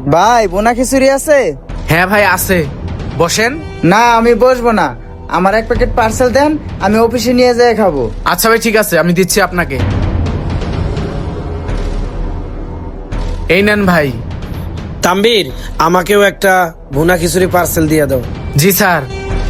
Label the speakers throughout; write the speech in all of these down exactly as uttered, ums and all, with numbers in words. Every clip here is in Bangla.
Speaker 1: ভাই বোনা খিচুড়ি আছে?
Speaker 2: হ্যাঁ ভাই আছে, বসেন।
Speaker 1: না আমি বসবো না, আমার এক প্যাকেট পার্সেল দেন, আমি অফিসে নিয়ে যেয়ে খাবো।
Speaker 2: আচ্ছা ভাই ঠিক আছে, আমি দিচ্ছি আপনাকে। এই নেন ভাই।
Speaker 3: তাম্বির, আমাকেও একটা ভুনা খিচুড়ি পার্সেল দিয়ে দাও।
Speaker 2: জি স্যার।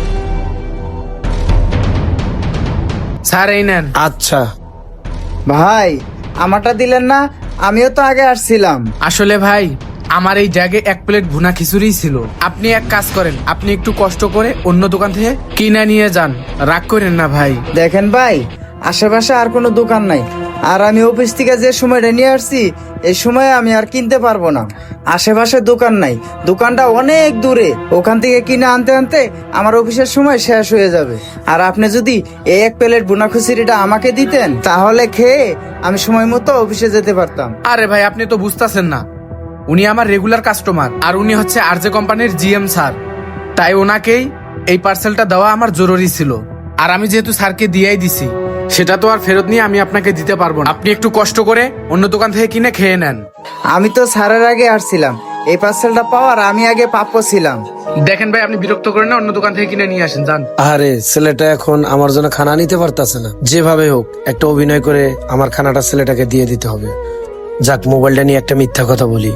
Speaker 2: স্যার এই নেন।
Speaker 3: আচ্ছা।
Speaker 1: ভাই আমারটা দিলেন না? আমিও তো আগে আসছিলাম।
Speaker 2: আসলে ভাই আমার এই জায়গায় এক প্লেট ভুনা খিচুড়ি ছিল। আপনি এক কাজ করেন, আপনি একটু কষ্ট করে অন্য দোকান থেকে কিনে নিয়ে যান, রাগ করেন না ভাই।
Speaker 1: দেখেন ভাই, আশেপাশে আর কোনো দোকান নাই, আর আমি অফিস থেকে যে সময়টা নিয়ে আসছি এই সময় আমি আর কিনতে পারবো না। আশেপাশে দোকান নাই, দোকানটা অনেক দূরে, ওখান থেকে কিনে আনতে আনতে আমার অফিসের সময় শেষ হয়ে যাবে। আর আপনি যদি এই এক প্লেট ভুনা খিচুড়িটা আমাকে দিতেন তাহলে খেয়ে আমি সময় মতো অফিসে যেতে পারতাম।
Speaker 2: আরে ভাই আপনি তো বুঝতেছেন না, উনি আমার রেগুলার কাস্টমার, আর উনি হচ্ছে আরজে কোম্পানির জিএম স্যার, তাই ওনাকেই এই পার্সেলটা দেওয়া আমার জরুরি ছিল। আর আমি যেহেতু স্যারকে দিয়েই দিছি, সেটা তো আর ফেরত নিয়ে আমি আপনাকে দিতে পারবো না। আপনি একটু কষ্ট করে অন্য দোকান থেকে কিনে খেয়ে নেন।
Speaker 1: আমি তো স্যারের আগে আসছিলাম, এই পার্সেলটা পাওয়ার আমি আগে প্রাপ্য ছিলাম।
Speaker 2: দেখেন ভাই, আপনি বিরক্ত করেন না, অন্য দোকান থেকে কিনে নিয়ে আসেন, যান।
Speaker 3: আরে ছেলেটা এখন আমার জন্য খানা নিতে পারতাছে না, যেভাবে হোক একটা অভিনয় করে আমার খানাটা ছেলেটাকে দিয়ে দিতে হবে। যাক, মোবাইলটা নিয়ে একটা মিথ্যা কথা বলি।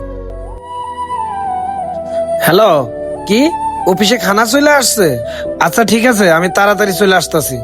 Speaker 3: হ্যালো, কি অফিসে খানা চলে আসছে? আচ্ছা ঠিক আছে, আমি তাড়াতাড়ি চলে আসতেছি।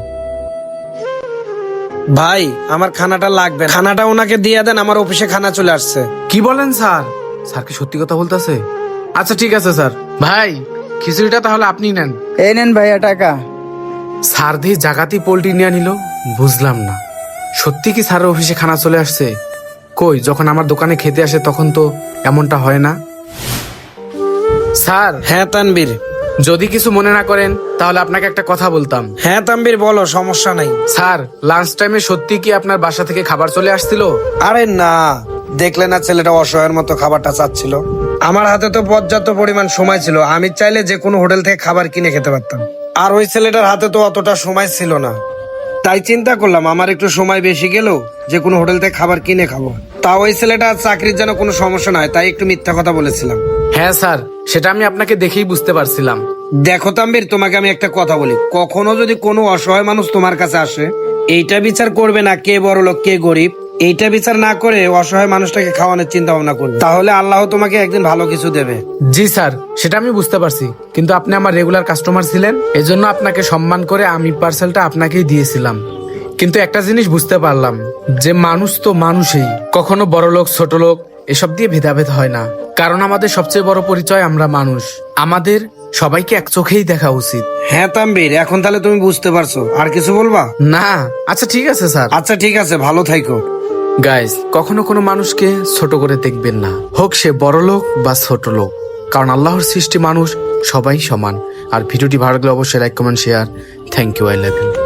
Speaker 3: ভাই আমার খানাটা লাগবে, খানাটা ওনাকে দিয়ে দেন, আমার অফিসে খানা চলে আসছে।
Speaker 2: কি বলেন স্যার? স্যার কি সত্যি কথা বলতেছে? আচ্ছা ঠিক আছে স্যার। ভাই খিচুড়িটা তাহলে আপনি নেন।
Speaker 1: এই নেন ভাইয়া টাকা।
Speaker 2: স্যার দিয়ে জাগাতি পোল্ট্রি নিয়ে নিল, বুঝলাম না। সত্যি কি স্যারের অফিসে খানা চলে আসছে? কই, যখন আমার দোকানে খেতে আসে তখন তো এমনটা হয় না। স্যার,
Speaker 3: হ্যাঁ তানবীর।
Speaker 2: যদি কিছু মনে না করেন তাহলে আপনাকে একটা কথা বলতাম।
Speaker 3: হ্যাঁ তানবীর বলো, সমস্যা নাই।
Speaker 2: স্যার, লাঞ্চ টাইমে সত্যি কি আপনার বাসা থেকে খাবার চলে আসছিল?
Speaker 3: আরে না, দেখলে না ছেলেটা অসহায়ের মতো খাবারটা চাচ্ছিল। আমার হাতে তো পর্যাপ্ত পরিমাণ সময় ছিল, আমি চাইলে যে কোনো হোটেল থেকে খাবার কিনে খেতে পারতাম। আর ওই ছেলেটার হাতে তো অতটা সময় ছিল না, তাই চিন্তা করলাম আমার একটু সময় বেশি গেল, যে কোনো হোটেল থেকে খাবার কিনে খাবো। তা ওই ছেলেটার চাকরির যেন কোনো সমস্যা না হয়, তাই একটু মিথ্যা কথা বলেছিলাম।
Speaker 2: হ্যাঁ স্যার, সেটা আমি আপনাকে দেখেই বুঝতে পারছিলাম।
Speaker 3: দেখো তাম্বির, তোমাকে আমি একটা কথা বলি, কখনো যদি কোনো অসহায় মানুষ তোমার কাছে আসে, এইটা বিচার করবে না কে বড় লোক কে গরিব, এইটা বিচার না করে অসহায় মানুষটাকে খাওয়ানোর চিন্তা ভাবনা করবে, তাহলে আল্লাহ তোমাকে একদিন ভালো কিছু দেবে।
Speaker 2: জি স্যার, সেটা আমি বুঝতে পারছি, কিন্তু আপনি আমার রেগুলার কাস্টমার ছিলেন, এজন্য আপনাকে সম্মান করে আমি পার্সেলটা আপনাকেই দিয়েছিলাম। কিন্তু একটা জিনিস বুঝতে পারলাম যে মানুষ তো মানুষই, কখনো বড় লোক ছোট লোক এসব দিয়ে ভেদাভেদ হয় না, কারণ আমাদের সবচেয়ে বড় পরিচয় আমরা মানুষ, আমাদের সবাইকে এক চোখেই দেখা উচিত।
Speaker 3: হ্যাঁ তাম্বির, এখন তাহলে তুমি বুঝতে পারছো, আর কিছু বলবা?
Speaker 2: না, আচ্ছা ঠিক আছে স্যার।
Speaker 3: আচ্ছা ঠিক আছে, ভালো থাইকো।
Speaker 2: গাইস, কখনো কোনো মানুষকে ছোট করে দেখবেন না, হোক সে বড় লোক বা ছোট লোক, কারণ আল্লাহর সৃষ্টি মানুষ সবাই সমান। আর ভিডিওটি ভালো লাগলে অবশ্যই like comment share. Thank you, I love you.